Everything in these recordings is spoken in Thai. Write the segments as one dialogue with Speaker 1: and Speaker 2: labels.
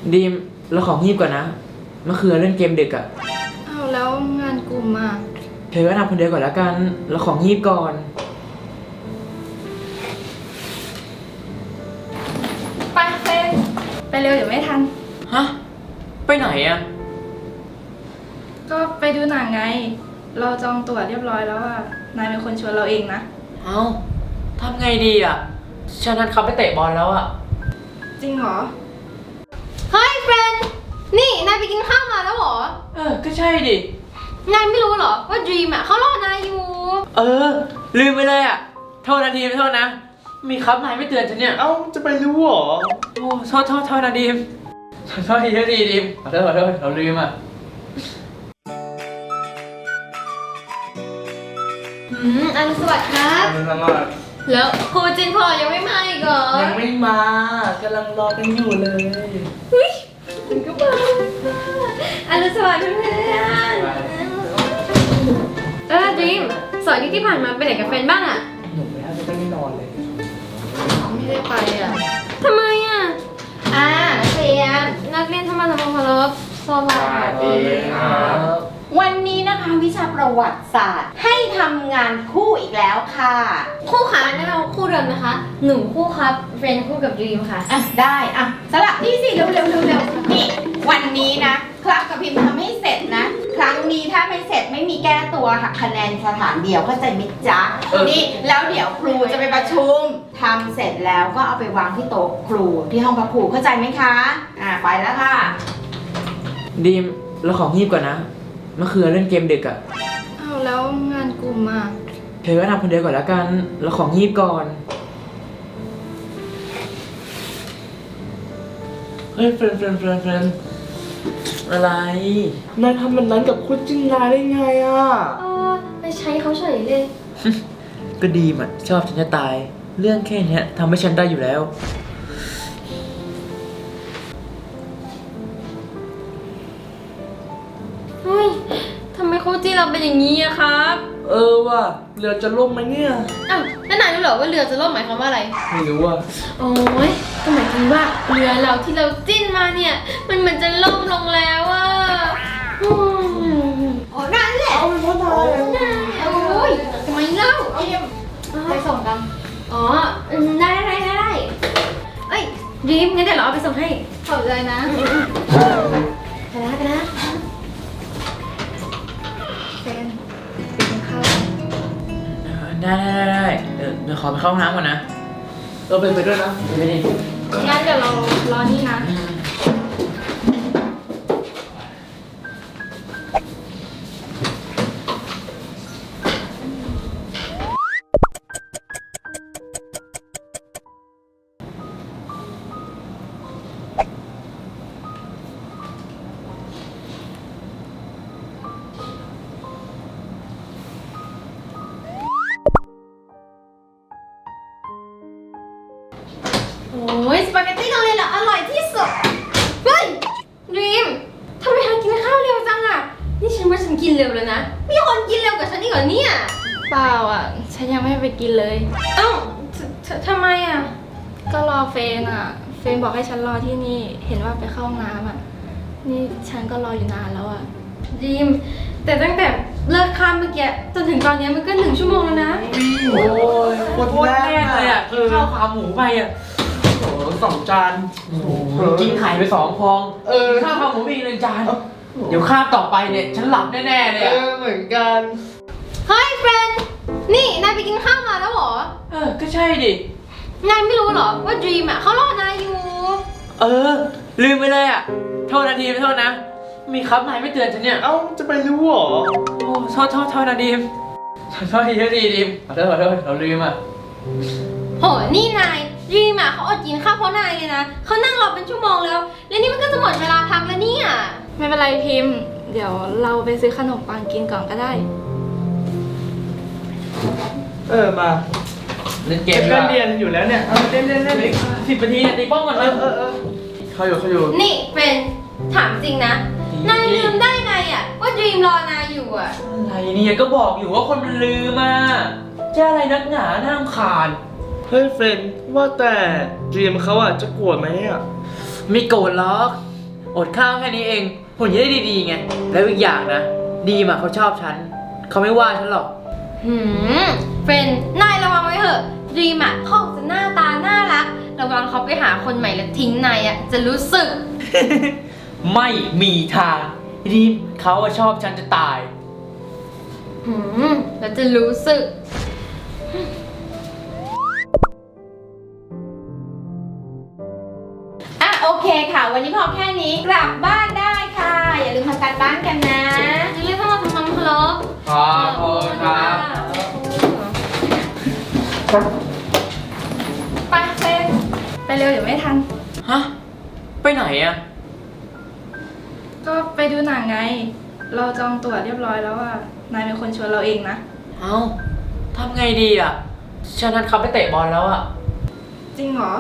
Speaker 1: ดีมเราของงีบก่อนนะเมื่อคืนเล่นเกมดึกอะ
Speaker 2: เอาแล้วงานกลุ่มอ่ะ
Speaker 1: เธอก็ทำคนเดียวก่อนละกันเราของงีบก่อน
Speaker 2: ไปเฟนไปเร็วเดี๋ยวไม่ทัน
Speaker 1: ฮะไปไหนอะ
Speaker 2: ก็ไปดูหนังไงเราจองตั๋วเรียบร้อยแล้วอ่ะนายเป็นคนชวนเราเองนะ
Speaker 1: เอ้าทำไงดีอะฉันนัดเขาไปเตะบอลแล้วอะ
Speaker 2: จริงเหรอ
Speaker 3: เฮ้ยเฟรนนี่นายไปกินข้าวมาแล้วเหรอ
Speaker 1: ก็ใช่ดิ
Speaker 3: นายไม่รู้เหรอว่าดรีมอ่ะเขารอนายอยู่
Speaker 1: ลืมไปเลยอะโทษนะทีมโทษนะมีครับนายไม่เตือนฉันเนี่ย
Speaker 4: เอ้าจะไปรู้เหรอ
Speaker 1: โอ้โทษนะดีมโทษทีดีมขอโทษเราลืมอะ
Speaker 3: อันสวัสดีครับ
Speaker 4: สวัสดี
Speaker 3: แล้วครูจินพอยังไม่มาอีกเหรอ
Speaker 4: ยังไม่มากำลังรอกันอยู่เลย
Speaker 3: เฮ้ยมันก็มาอันสวัสดีเพื่อนดรีมสอนที่ผ่านมาไปไหนกับเฟรนบ้างอ่ะ
Speaker 4: หนูไปแล้วจะไม่นอนเลย
Speaker 2: ไม่ได้ไปอ่ะ
Speaker 3: ทำไมอ่ะนักเรียนธรรมศาสตร์พลบสวัสดี
Speaker 4: ครับ
Speaker 5: วันนี้นะคะวิชาประวัติศาสตร์ให้ทำงานคู่อีกแล้วค่ะ
Speaker 3: คู่ขานะคะคู่เดิมนะคะหนูคู่ครับเฟรนคู่กับดรีมค่ะ
Speaker 5: ได้สลับนี่สิเร็วนี่วันนี้นะครับกับพิมพ์ทำให้เสร็จนะครั้งนี้ถ้าไม่เสร็จไม่มีแก้ตัวหักคะแนนสถานเดียวเข้าใจไหมจ๊ะนี่แล้วเดี๋ยวครูจะไปประชุมทำเสร็จแล้วก็เอาไปวางที่โต๊ะครูที่ห้องพักครูเข้าใจไหมคะไปแล้วค่ะ
Speaker 1: ดีมเราของงีบก่อนนะเมื่อคืนเล่นเกมดึกอะ
Speaker 2: เอาแล้วงานกลุ่มอ่ะ
Speaker 1: เธอก็ทำคนเดียวก่อนละกันเราของงีบก่อนเฮ้ยเฟรนอะไร
Speaker 4: นายทำแบบนั้นกับคุณจินดาได้ไงอ่ะ
Speaker 3: ไปใช้เขาเฉยเลย
Speaker 1: ก็ดีมอะชอบฉันจะตายเรื่องแค่นี้ทำให้ฉันได้อยู่แล้ว
Speaker 3: เฮ้ยทำไมครูจีเราเป็นอย่างนี้อะครับ
Speaker 4: ว่ะเรือจะล่มไหมเนี่ย
Speaker 3: อ้าวแล้วนายรู้เหรอว่าเรือจะล่มหมายความว่าอะไร
Speaker 4: ไม่รู้อ่ะ
Speaker 3: โอ้ยก็หมายถึงว่าเรือเราที่เราจิ้นมาเนี่ยมันเหมือนจะล่มลงแล้วอะ
Speaker 5: นั่นแหละ
Speaker 4: เอาไปพ่อตาย
Speaker 3: โอ้ยทำไมเล่า
Speaker 2: ไปส่งกัน
Speaker 3: ได้เอ้ยดีมงั้นเดี๋ยวเราเอาไปส่งให้
Speaker 2: ขอบใจนะ
Speaker 3: ไปนะ
Speaker 2: เฟนไปกินข้าว
Speaker 1: ได้เดี๋ยวขอไปเข้าห้องน้ำก่อนนะ
Speaker 4: ไปด้วยนะ
Speaker 1: ไปดิ
Speaker 2: งั้นเดี๋ยวเรารอนี่นะ
Speaker 3: โอ้ยสปาเกตตี้โรงเรียนเหรออร่อยที่สุดเฮ้ยดรีมทำไมกินข้าวเร็วจังอ่ะนี่ฉันว่าฉันกินเร็วแล้วนะมีคนกินเร็วกว่าฉันอีกเหรอเนี่ย
Speaker 2: เปล่าอ่ะฉันยังไม่ไปกินเลย
Speaker 3: เอ้าทำไมอ่ะ
Speaker 2: ก็รอเฟนอ่ะเฟนบอกให้ฉันรอที่นี่เห็นว่าไปเข้าห้องน้ำอ่ะนี่ฉันก็รออยู่นานแล้วอ่ะ
Speaker 3: ดรีมแต่ตั้งแต่เลิกข้ามเมื่อกี้จนถึงตอนนี้มันก็1 ชั่วโมงแล้วนะ
Speaker 4: โอ้ย
Speaker 1: โคตรแรกเลยอะกินข้าวขาหมูไปอะ
Speaker 4: โอ้2 จาน
Speaker 1: กินไข่ไป2 ฟองข้าวขาหมูอีก1 จานเดี๋ยวคาบต่อไปเนี่ยฉันหลับแน่ๆเลยอะ
Speaker 4: เหมือนกัน
Speaker 3: เฮ้ยเฟรนนี่นายไปกินข้าวมาแล้วเหรอ
Speaker 1: ก็ใช่ดิ
Speaker 3: นายไม่รู้เหรอว่าดรีมอ่ะเขารอนายอยู่
Speaker 1: ลืมไปเลยอะโทษนะทีมโทษนะมีครับนายไม่เตือนฉันเนี่ย
Speaker 4: เอ้าจะไปรู้เหรอ
Speaker 1: โอ้โทษนะดีมโทษทีดีมขอโทษเราลืมอะ
Speaker 3: โหนี่นายดรีมอ่ะเขาอดกินข้าวเพราะนายเลยนะเขานั่งรอเป็นชั่วโมงแล้วนี่มันก็จะหมดเวลาพักแล้วเนี่ย
Speaker 2: ไม่เป็นไรพิมพ์เดี๋ยวเราไปซื้อขนมปังกินก่อนก็ได้
Speaker 4: มา
Speaker 1: เล่นเกม
Speaker 4: ก็เรียนอยู่แล้วเนี่ยเล่น
Speaker 1: 10 นาทีตีป้องก่อนเลย
Speaker 4: เขาอยู่
Speaker 3: นี่เป็นถามจริงนะนายลืมได้ไงอ่ะว่าดรีมรอนายอยู่อ่ะ
Speaker 1: อะไรเนี่ยก็บอกอยู่ว่าคนมันลืมมาจะอะไรนักหนาน่ารำคาญ
Speaker 4: เฮ้ยเฟรนว่าแต่ดรีมเขาจะโกรธไหม
Speaker 1: ไม่โกรธหรอกอดข้าวแค่นี้เองผลจะได้ดีๆไงแล้วอีกอย่างนะดีมอะเขาชอบฉันเขาไม่ว่าฉันหรอก
Speaker 3: เฟรนนายระวังไว้เถอะดีมอ่ะเขาจะหน้าตาน่ารักระวังเขาไปหาคนใหม่แล้วทิ้งนายอ่ะจะรู้สึก
Speaker 1: ไม่มีทางดีมเขาอะชอบฉันจะตาย
Speaker 3: แล้วจะรู้สึก
Speaker 5: อ่ะโอเคค่ะ วันนี้พอแค่นี้กลับบ้านได้ค่ะ อย่าลืมทำการบ้านกันนะ
Speaker 3: อย่าลืมเข้ามาทำความเคารพ
Speaker 1: ขอบคุณครับ
Speaker 2: ไปเฟนไปเร็วเดี๋ยวไม่ทัน
Speaker 1: ฮะไปไหนอะ
Speaker 2: ก็ไปดูหนังไง เราจองตั๋วเรียบร้อยแล้วอ่ะ นายเป็นคนชวนเราเองนะ
Speaker 1: เอ้าทำไงดีอะฉันนัดเขาไปเตะบอลแล้วอะ
Speaker 2: จริงเหรอ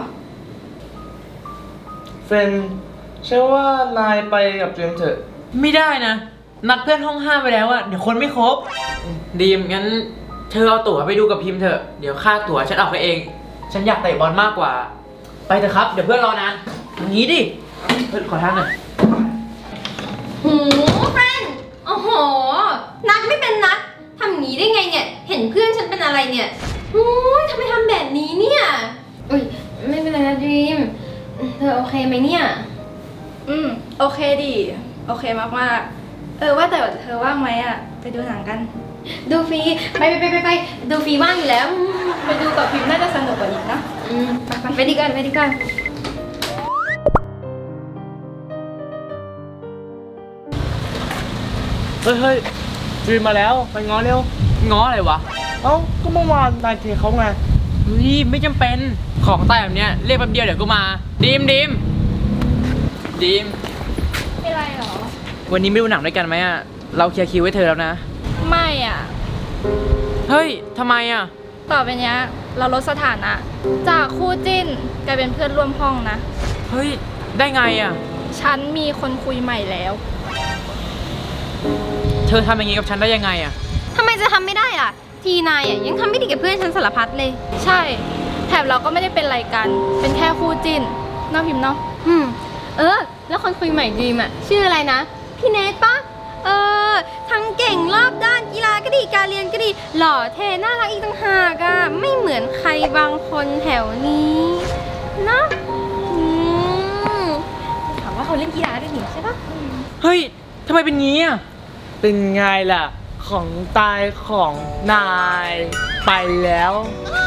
Speaker 4: เฟรนใช่ว่านายไปกับเจมส์เถอะ
Speaker 1: ไม่ได้นะ นัดเพื่อนห้องห้ามไปแล้วอะเดี๋ยวคนไม่ครบดีมงั้นเธอเอาตั๋วไปดูกับพิมพ์เถอะเดี๋ยวค่าตั๋วฉันเอาไปเอง ฉันอยากเตะบอลมากกว่า ไปเถอะครับเดี๋ยวเพื่อนรอนานอย่างนี้ดิเพื่อนขอทางหน่อย
Speaker 3: เฟรนโอ้โห นัดไม่เป็นนัดทำอย่างนี้ได้ไงเนี่ย เห็นเพื่อนฉันเป็นอะไรเนี่ยโอ้ยทำไมทำแบบนี้เนี่ยอุ้ยไม่เป็นไรนะดีมเธอโอเคไหมเนี่ย
Speaker 2: โอเคดิ โอเคมากๆ ว่าแต่เธอว่างไหมอ่ะ ไปดูหนังกัน
Speaker 3: ดูฟรีไปดูฟรีว่างอยู่แล้ว
Speaker 2: ไปดูกับพิมพ์น่าจะสนุกกว่าอีกนะ
Speaker 3: ไปดีกัน
Speaker 4: เฮ้ยจีนมาแล้วไปง้อเร็ว
Speaker 1: ง้ออะไรวะ
Speaker 4: เอ้าก็เมื่อวานนายเทเขาไง
Speaker 1: เฮ้ยไม่จำเป็นของใต้แบบเนี้ยเรียกแป๊บเดียวเดี๋ยวก็มาดีม
Speaker 2: ไม่ไรหรอ
Speaker 1: วันนี้ไม่ดูหนังด้วยกันไหมอะเราเคลียร์คิวไว้เธอแล้วนะ
Speaker 2: ไม่อ่ะ
Speaker 1: เฮ้ยทำไมอะ
Speaker 2: ต่อไปเนี้ยเราลดสถานะ จากคู่จิ้นกลายเป็นเพื่อนร่วมห้องนะ
Speaker 1: เฮ้ยได้ไงอะ
Speaker 2: ฉันมีคนคุยใหม่แล้ว
Speaker 1: เธอทำอย่างงี้กับฉันได้ยังไงอะ
Speaker 3: ทำไมจะทำไม่ได้ล่ะ ทีนายอ่ะยังทำไม่ดีกับเพื่อนฉันสารพัดเลย
Speaker 2: ใช่ แถบเราก็ไม่ได้เป็นอะไรกัน เป็นแค่คู่จิ้นเน้องพิมพ์เนาะ
Speaker 3: แล้วคนคุยใหม่ดีมอ่ะชื่ออะไรนะ พี่เนทปะทั้งเก่งรอบด้านกีฬาก็ดีการเรียนก็ดี หล่อเท่น่ารักอีกต่างหากอ่ะไม่เหมือนใครบางคนแถวนี้นะถามว่าเขาเล่นกีฬาด้วยนี่ใช่ปะ
Speaker 1: เฮ้ยทำไมเป็นงี้อะ
Speaker 4: เป็นไงล่ะ ของตายของนายไปแล้ว
Speaker 3: อ